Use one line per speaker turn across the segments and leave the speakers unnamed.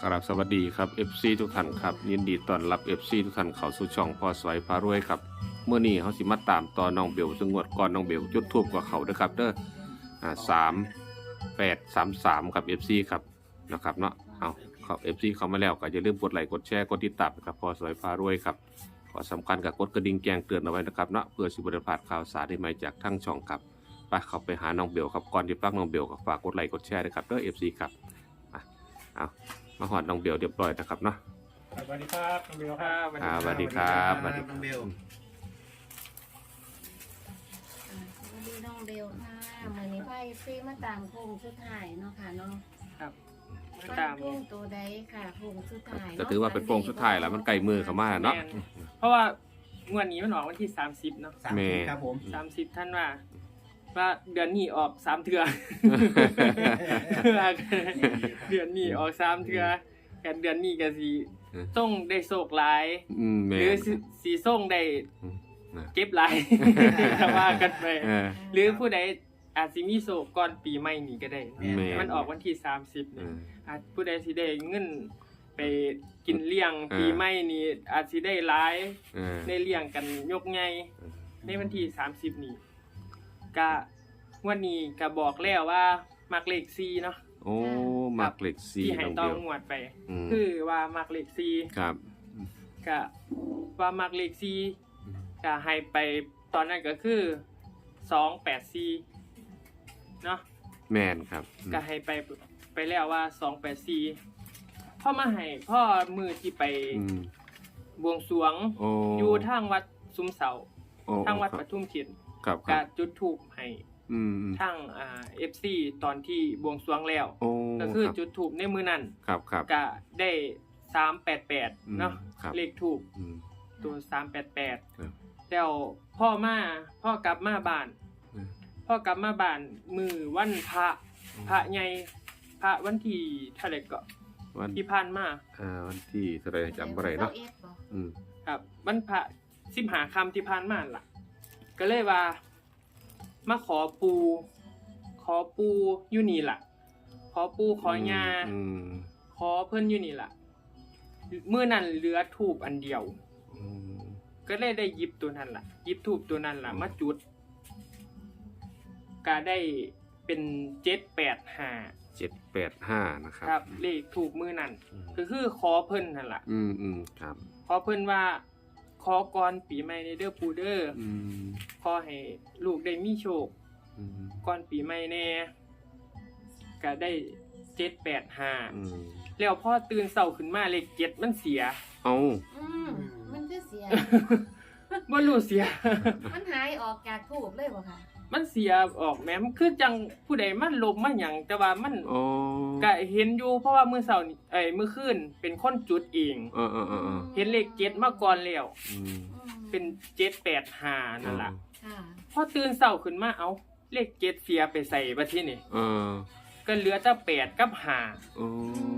ครับสวัสดีครับ FC ทุกท่านครับยินดีต้อนรับ FC ทุกท่านเข้าสู่ช่องพ่อสวยพารวยครับเมื่อนี้เขาสิมาตามต่อน้องเบลซึ่งงวดก่อนน้องเบลจุดทูบกับเขาด้วยครับเด้อ3833ครับ FC ครับนะครับเนาะเอาครับ FC เข้ามาแล้วก็อย่าลืมกดไลค์กดแชร์กดติดตามนะครับพ่อสวยพารวยครับขอสำคัญกับกดกระดิ่งแจ้งเตือนเอาไว้นะครับเนาะเพื่อสิบ่ได้พลาดข่าวสารใหม่ๆจากทั้งช่องครับไปเข้าไปหาน้องเบลครับก่อนที่ปักน้องเบลก็ฝากกดไลค์กดแชร์ด้วยครับเด้อ FC ครับเอามาหอดน้องเบลเรียบร้อยนะครับเนาะ
สวัสดีครับน้องเบลครับ
สวัสดีครับสวัสดี
น้องเบล
สวัสดีน้องเบลค่ะมื้อนี้ไพ่ซีมาตามโค้งสุดท้ายเนาะค่ะเนาะ
ครับมา
ฟั
ตาม
นโค้งตัวใดค่ะโค้งสุดท้าย
ก็ถือว่าเป็นโปร่งสุดท้ายแล้วมันไกลมือเข้ามาเนาะ
แม่เพราะว่างวดนี้มันออกวันที่30เนาะ
สาม
แม่
ครับผม
30ท่านว่าเดือนนี้ออก3เทื่อ เดือนนี้ออก3เทื่อกันเดือนนี้ก็สิส่งได้โชคหลาย
แม่
หรือสิส่งได้
นะ
เก็บหลาย ถ้าว่ากันไป
เออ
หรือผู้ใดอาจสิมีโชคก่อนปีใหม่นี้ก็ได้
แม่
มันออกวันที่30
เอ
เนี่ย
อ
อาจผู้ใดสิได้เงินไปกินเลี้ยงปีใหม่นี้อาจสิได้หลาย
เออ
ได้เลี้ยงกันยกใหญ่ในวันที่30นี้ก็วันนี้ก็บอกแล้วว่ามักเลข4เนาะ
โอ้มักเหล็กซี
ที่ให้
น้อง
ต้
เบ
อง
ล
งวดไป
ม
คือว่ามักเลข
ครับ
4ก็ว่ามักเลข4ก็ให้ไปตอนนั้นก็คือ284เนาะ
แม่นครับ
ก็ให้ไปแล้วว่า284พ่อมาให้พ่อมือที่ไป
อืม
บวงสรวง
โอ้
อยู่ทางวัดซุ้มเสา
โอ้
ทางวัดปทุมเขียน
ครับค
ก็
รับ
จุดธูปให้
อืม
ทางFC ตอนที่บวงสรวงแล้ว
โอ้
ก็คือ
รับ
จุดธูปในมือนั้น
ครับครับ
ก็ได้388เนาะ
ครับ
เลขธูป
อืม
ตัว
ครับ
388แล้วพ่อกลับมาบ้าน
อืม
พ่อกลับมาบ้านมือวันพระใหญ่พระวันที่เท่าไหร่ก็
วัน
ที่ผ่านมา
วันที่เท่าไหร่จำบ่ได้เนาะ
21บ่
อืม
ครับวันพระ15ค่ำที่ผ่านมาล่ะ ก็เลยว่ามาขอปูอยู่นี่ล่ะ ขอปูขอยา
อืม
ขอเพิ่นอยู่นี่ล่ะมื้อนั้นเหลือทูบอันเดียว
อืม
ก็เลยได้หยิบตัวนั้นล่ะหยิบทูบตัวนั้นล่ะมาจุดก็ได้เป็น785
785นะครับ
ครับ เลขถูกมื้อนั้นก็คือขอเพิ่นนั่นล่ะ
อืมครับ
ขอเพิ่นว่าขอก่อนปีใหม่ในเด้อปูเด้อ
อืม
ขอให้ลูกได้มีโชค
อืม
ก่อนปีใหม่แน่ก็ได้785
อืม
แล้วพอตื่นเช้าขึ้นมาเลข7มันเสีย
เอา
มันคือเสีย
บ่รู้เสีย
มันหายออกจากทูบเลยบ่ค่ะ
มันเสียออกแหมมันคือจังผู้ใดมันลมมาหยังแต่ว่ามัน
โอ้
ก็เห็นอยู่เพราะว่ามื้อเช้านี่มื้อคืนเป็นคนจุดเอง
เออ
เห็นเลข7มาก่อนแล้ว
อืม
เป็น785นั่นล่ะ
ค่ะ
พอตื่นเช้าขึ้นมาเอ้าเลข7เสียไปใส่บัดทีนี่
เออ
ก็เหลือแต่8กับ5
โอ้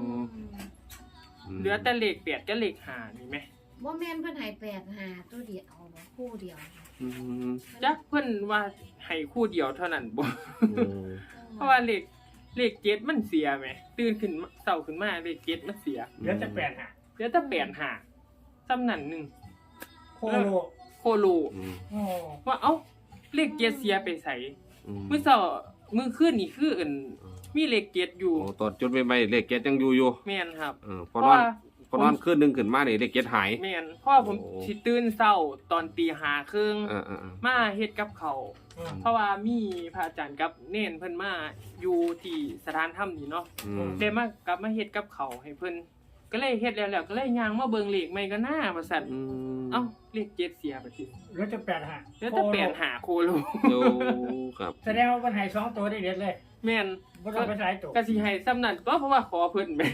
เหลือแต่เลข8กับเลข5นี่แหม
บ่แม่นเพิ่นให้85ตัวเดียวบ่คู่เดียว
อืม
จักเพิ่นว่าให้คู่เดียวเท่านั้นบ่
อืม
เพราะว่าเลข7มันเสียแหมตื่นขึ้นมาเช้าขึ้นมาเลข7มันเสีย
เดี๋ยวจะแปดหา
เหลือแต่85ซ้ำนั่นหนึง
โคโล
โคโล
อืม
โอ้
ว่าเอ้าเลข7เสียไปใส่
อืม
มื้อเช้ามื้อคืนนี่คือมีเลข7อยู่
โอ้ตอนจุดใหม่ๆเลขเก็ตยังอยู่
แม่นครับ
พอนอนพอนอนคืนนึงขึ้นมานี่เลขเก็ตหาย
แม่นพ่อผม
โอ้
สิตื่นเช้าตอนตีห้าครึ่ง
เออ
มาเฮ็ดกับเขาวเพราะว่ามีพระอาจารย์กับเน้นเพิ่นมาอยู่ที่สถานธรรมนี่เนาะ
อืม
ได้มากลับมาเฮ็ดกับเขาวให้เพิ่นก็เลยเฮ็ดแล้วก็เลยย่างมาเบิ่งเลขใหม่ก็น่าว่าซั่น
อืม
เอ้าเลข7เสียไปที
เดี๋ยวจะแปดหา
แล้วแต่8หาโคโล
โอ้ครับ
แสดงว่ามันหาย2ตัวได้เด็ดเลย
แม่น
บ่ต้องไปสายตัว
ก็สิให้ซ้ำนั้นก็เพราะว่าขอเพิ่นแหม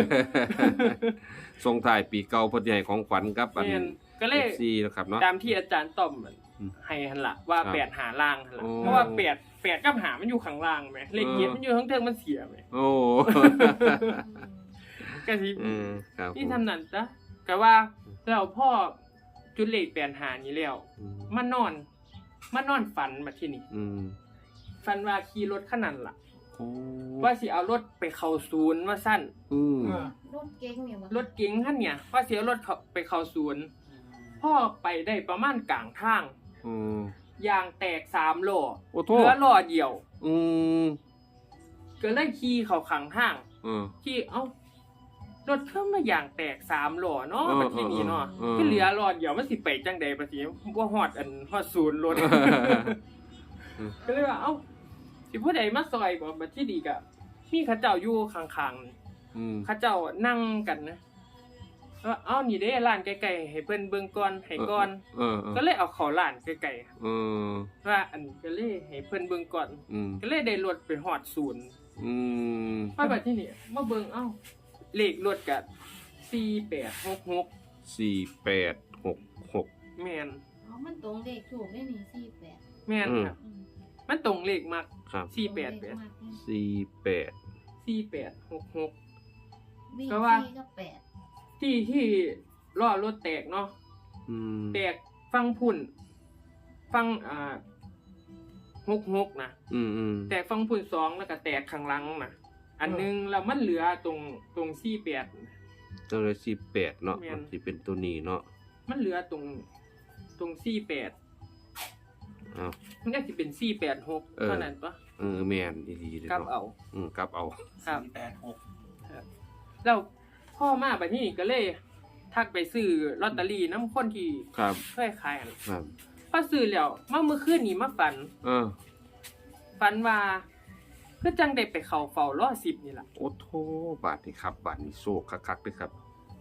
ส่งท้ายปีเก่าเพิ่นสิให้ของขวัญกับอัน
แม่นก็เลย
FC นะครับเนาะ
ตามที่อาจารย์ต้อมมัน
อืม
ให้หั่นล่ะว่า
ครับ
8หาล่างหั่นล่ะ
โอ้
เพราะว่า8กับหามันอยู่ข้างล่างแหมเลขเกียรติมันอยู่ข้างเทิงมันเสียแหม
โอ้
ก็สิ
ครับ
นี่ทำนั่นจ้ะก็ว่าแล้วพ่อจุดเลข8หานี้แล้ว
อืม
มานอนฝันมาที่นี่
อืม
ฝันว่าขี่รถคันนั้นล่ะ
โอ้
ว่าสิเอารถไปเข้าศูนย์ว่าสั้น
อืม
รถเก๋งเนี่ยบ่
รถเก๋งคันเนี่ยว่าสิเอารถไปเข้าศูนย์พ่อไปได้ประมาณกลางทาง
อืม
ยางแตก3ล้อ
โอ้โท
เหลือล้อเดียว
อืม
ก็เลยขี่เข้าข้างทาง
เออ
ขี่เอ้ารถเพิ่มมาอย่างแตก3ล้อเนาะ
เออ
บัดทีนี้เนาะ
เออ
ก็เหลือล้อเดียวมันสิไปจังใดบัดนี้บ่ฮอดฮอดศูนย์รถ ก็เลยว่าเอ้าสิผู้ใดมาซอยบ่บัดที่ดีก็มีเขาเจ้าอยู่ข้างๆ
อืม
เขาเจ้านั่งกันนะว่าเอ้านี่เด้ร้านไกลๆให้เพิ่นเบิ่งก่อนให้ก่อน
เออ
ก็เลยเอาเข้าร้านไกล
เออ
ๆว่าอันก็เลยให้เพิ่นเบิ่งก่อน
อืม
ก็เลยได้รถไปฮอดศูนย์
อืม
พอบัดที่นี่มาเบิ่งเอ้าเลขรถก็4866
4866
แม่น
อ๋อมันตรงเลขถูกได้นี่48
แม่น
อืม
ครับ
อืม
มันตรงเลขมัก
ครับ
ตรงเลขมากเลย
48
4866
วิ่ง
ก็ว่า
4กับ8
ที่ล้อรถแตกเนาะ
อืม
แตกฟังพุ่นฟัง66นะ
อืมอืม
แตกฟังพุ่น2แล้วก็แตกข้างหลังนะอันหนึงแล้วมันเหลือตรง48น่ะ
ตัวเลย48เนาะ
แม่น
มันสิเป็นตัวนี้เนาะ
มันเหลือตรง48
อ้าว
มันก็สิเป็น486เท่านั้นปะ
เออแม่นดีๆเลย
กลับ
เนาะ
เอา
กลับเอา
ครับ
486
แล้วพ่อมาบัดนี้ก็เลยทักไปซื้อลอตเตอรี่น้ำคนที่
ครับ
เคยขายอัน
ครับ
พอซื้อแล้วมาเมื่อคืนนี้มาฝัน
เออ
ฝันว่าคือจังได้ไปเข้าเฝ้ารอ10นี่ล่ะ
โอ้โทบาทนี่ครับบาทนี่โซกคักๆเด้อครับ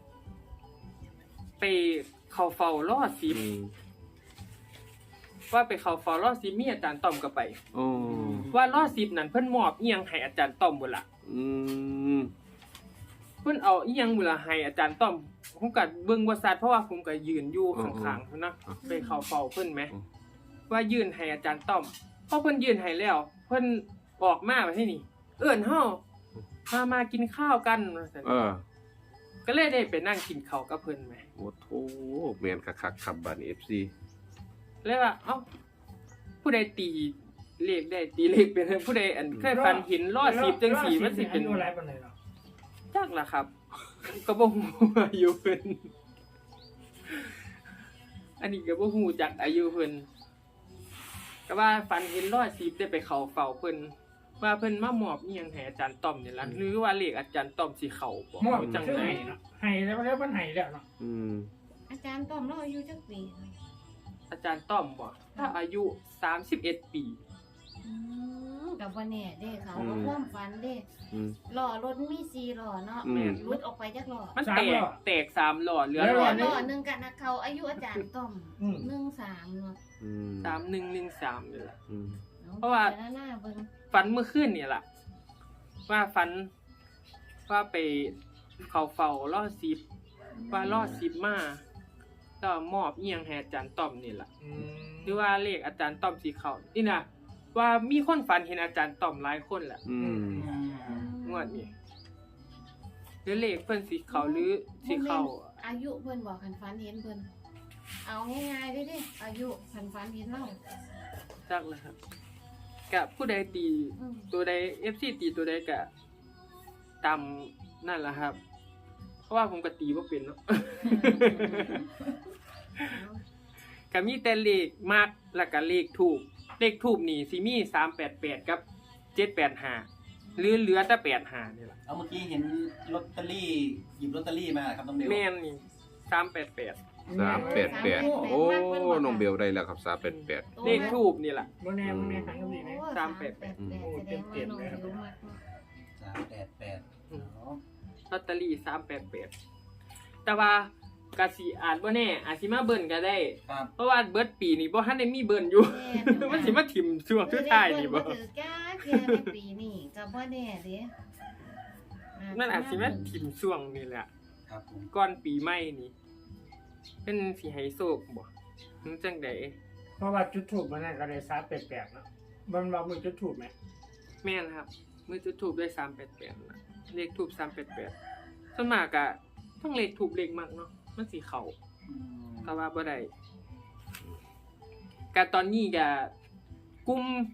ไปเข้าเฝ้ารอ
อืม
10ว่าไปเข้าเฝ้ารอ10มีอาจารย์ต้อมก็ไป
โอ้
ว่ารอ10นั่นเพิ่นมอบอีหยังให้อาจารย์ต้อมบ่ล่ะ
อืม
เพิ่นเอาอีหยังบ่ล่ะให้อาจารย์ต้อมผมก็เบิ่งบ่ชัดเพราะว่าผมก็ยืนอยู่ข้างๆเพิ่นนะไปเข้าเฝ้าเพิ่นแหมว่ายื่นให้อาจารย์ต้อมพอเพิ่นยื่นให้แล้ว เพิ่นออกมาว่าที่นี่ เอิ้นเฮามากินข้าวกันว่าซั่น
เออ
ก็เลยได้ไปนั่งกินข้าวกับเพิ่นแหม
โอ้โทแม่นคักๆครับบาทนี่ FC
เลยว่าเอ้าผู้ใดตีเลขได้ตีเลขเป็นผู้ใดอันเคยฝันเห็นรอ10จังซี่มันสิเป็น
อายุหลายปานใดเนาะ
จักล่ะครับ ก็บ่ฮู้อายุเพิ่นอันนี้ก็บ่ฮู้จักอายุเพิ่นก็ว่าฝันเห็น110ได้ไปเข้าเฝ้าเพิ่นว่าเพิ่นมามอบอีหยังให้อาจารย์ต้อมนี่ล่ะหรือว่าเลขอาจารย์ต้อมสิเข้าบ่
มอบ
จัง
ซื้อ
ได๋
ให้เนาะให้แล้วมันให้แล้วเนาะ
อืม
อาจารย์ต้อมเราอายุจักปี
อาจารย์ต้อมบ่ถ้าอายุ31 ปี
กับว่าแน่เด้เขาก็ความฝันเด้
อืม
ล้อรถมี4ล้อเนาะ
อืม
รุดออกไปจักล้อ
มันแตก3หลอดเหลือ
แล้ว
หลอด
ล้อหนึงกันนะเขาอายุอาจารย์ต้อม
อืม
13เนาะ
อืม
3113นี่ล่ะ
อืม
เพราะว่า
จหน้าเบิ่ง
ฝันเมื่อคืนนี่ล่ะว่าฝันว่าไปเข้าเฝ้ารอ10ว่ารอ10มาแล้วมอบอีหยังให้อาจารย์ต้อมนี่ล่ะ หรือว่าเลขอาจารย์ต้อมสีเขานี่นะว่ามีคนฝันเห็นอาจารย์ต้อมหลายคนแหละ
อืม
งวดนี้หรือเลขเพิ่นสีเขาหรือสีเขา
อายุเพิ่นบอกคันฝันเห็นเพิ่นเอาง่ายๆเด้เด้อายุคันฝันเห็นเรา
จักเลยครับกับผู้ใดตี
อืม
ตัวใด FC ตีตัวใดก็ตามนั่นแหละครับ เพราะว่าผมก็ตีบ่เป็นเนาะ ก็มีแต่เลขมากแล้วก็เลขทูปเลขทูปนี่สิมี388กับ785หรือเหลือแต่85นี่ล่ะ
เอาเมื่อกี้เห็นลอตเตอรี่หยิบลอตเตอรี่มาครับน้องเบล
แม่นนี่388
388โอ้น้องเบลได้แล้วครับ388
เลขทูบนี่แหละ
บ่แน่บ่แน่ทางก็มีนะ
โอ้
388
388แสดงว่าน้องรู้มากเนาะ
388อ๋อ
ลอตเตอรี่388แต่ว่ากะสิอาจบ่แน่อาจสิมาเบิ่นก็ได้
ครับ
เพราะว่าเบิดปีนี้บ่ทันได้มีเบิ่นอยู่ มันสิมาถิ่มช่วงสุดท้ายนี่บ่
ถือก้าเพียในปีนี้ก็บ่แน่เด้
นั่นอาจสิมาถิ่มช่วงนี่แหละ
ครับผม
ก่อนปีใหม่นี่เป็นสิให้โชคบ่ถึงจังได๋
เพราะว่าจุดทูบมันนั่นก็ได้388เนาะมันว่ามือจุดทูบไหม
แม่นครับมือจุดทูบด้วย388นะเลขทูบ388ส่วนมากก็ทั้งเลขทูบเลขมักเนาะมันสิเข้า
อืม
ก็ว่าบ่ได้ก็ตอนนี้ก็กลุ่ม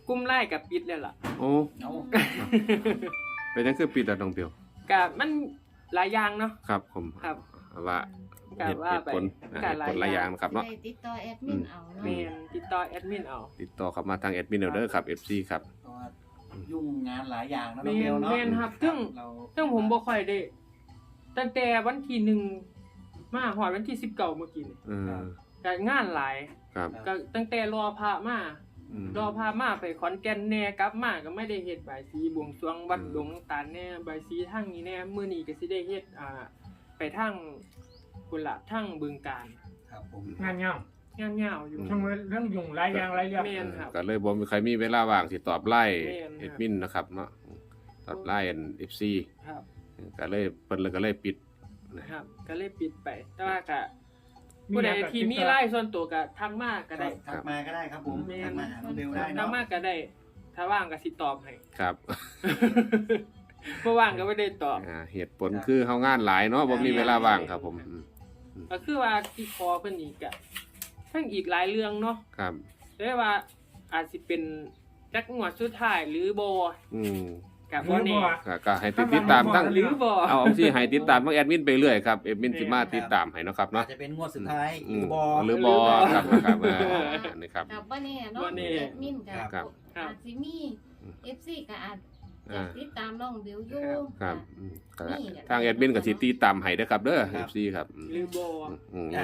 กุ้มไล่กับปิดแล้วล่ะ
โอ้
เอา
เป็นจังคือปิดอะน้องเปียว
ก็มันหลายอย่างเนาะ
ครับผม
ครับ
ว่า
ก็
เหตุ
ว่าไป
ผล
ก็
เหตุ
หลาย
ผลหลายอย่างนะครับเนาะ
ได้ติดต่อแอดมินเอาเนาะ
แม่นติดต่อแอดมินเอา
ติดต่อเข้ามาทางแอดมินเอาเด้อครับ FC ครับ
เพราะว่ายุ่งงานหลายอย่างนะน้
แม่
องเบล
น
เนาะ
แม่นครับซึ่ง
เรา
ซึ่งผมบ่ค่อยได้ตั้งแต่วันที่1มาฮอดวันที่19เมื่อกี้นี่ ก็งานหลาย
ครับ
ก็ตั้งแต่รอพระมา
อืม
รอพามาไปขอนแก่นแหน่กลับมาก็ไม่ได้เฮ็ดบายสีบวงสรวงวัด
อืม
ดงตาลแหน่บายสีทางนี้แหน่มื้อนี้ก็สิได้เฮ็ดไปทางพุ่นละทางบึงกาฬ
ครับผม
งานเงาง
านยาวอยู่
ทั้งเรื่องยุ่งหลายอย่างหลายอย่าง
แม่นครับ
ก็เลยบ่มีใครมีเวลาว่างสิตอบไล่
แม่นครับ
แอดมินนะครับเนาะตอบไล่ FC
ครับ
ก็เลยเพิ่นเลยก็เลยปิด
ครับ ก็เลยปิดไป แต่ว่าก็ผู้ใดที่มีไลน์ส่วนตัวก็ทักมาก็ได้
ทักมาก็ได้ครับผม
แม่น
ทักมาหาน้องเบลได้
ทัก
เนาะ
มาก็ได้ ถ้าว่างก็สิตอบให้
ครับ
บ่ว่างก็ไม่ได้ตอบ
เหตุผลคือเฮางานหลายเนาะบ่มีเวลาว่างครับผม
ก็คือว่าที่คอเพิ่นอีกอะทั้งอีกหลายเรื่องเนาะ
ครับ
ได้ว่าอาจสิเป็นจักงวดสุดท้ายหรือบ่
อืม
กับ
หรื
บ่
อ
แน่
บ่
ก็ให้ติดตามทั้ง
หรือบ่
เอาสิให้ติดตามทั้งแอดมินไปเรื่อยครับแอดมินสิมาติดตามให้เนาะครับ
อา
เนาะ
จจะเป็นงวดสุดท้ายห
อื
รื
ม
อบอ
หรือบอครับนะครับนี่ครับ
กับบ่แน่เนาะ
บ่แน่
แอดมินก็
ครับ
อาจสิมี FC ก็อาจจะติดตามน้องเบลอยู่
ครับก็ทางแอดมินก็สิติดตามให้เด้อครับเด้อ FC ครับ
หรือบ่
อืม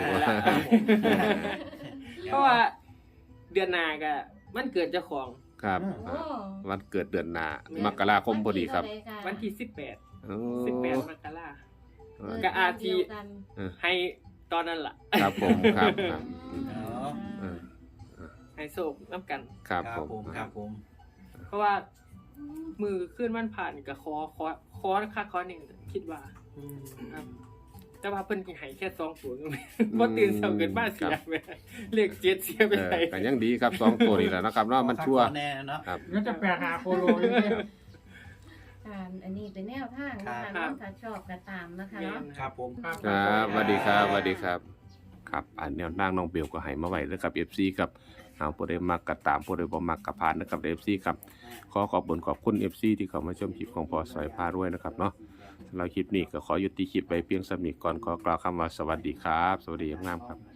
เพราะว่าเดือนหน้าก็มันเกิดเจ้าของ
ครับ
โอ้
วันเกิดเดือนหน้ามกราคมพอดีครับ
วันที่
โอ้
18มกรา
ก็
อาทิ ให้ตอนนั้นล่ะ
ครับผมครับครับ
อ๋อ
ให้โศกนํกัน
ครับ
ค
ผ
รับ
ม
ผมครับผม
เพราะว่ามือขึ้นวันผ่านก็ขอค่าขอนี่คิดว่า ครับแต่ว่าเพิ่นสิให้แค่2ตัวก็ไม่บ่ตื่นเช้าเกินมาเสียไปเลข7เสียไปไหน
ก็ยังดีครับ2ตัวนี่แหละนะครับเนาะมันชั่ว
แน่เนาะ
ครับ
แล้วจะแปลหาโคโลอยู่เนี่ย
อันนี้เป็นแนวทางนะคะเนาะถ้าชอบก็ตามนะคะเนาะ
ครับผม
ครับสวัสดีครับสวัสดีครับ ครับอันแนวนางน้องเบลก็ให้มาไว้แล้วกับ FC ครับเอาผู้ใดมักก็ตามผู้ใดบ่มักก็ผ่านนะครับ FC ครับขอขอบคุณ FC ที่เข้ามาชมคลิปของพอสอยพารวยนะครับเนาะสำหรับคลิปนี้ก็ขอยุติคลิปไว้เพียงสำนี้ก่อนขอกล่าวคำว่าสวัสดีครับ สวัสดีงามๆครับ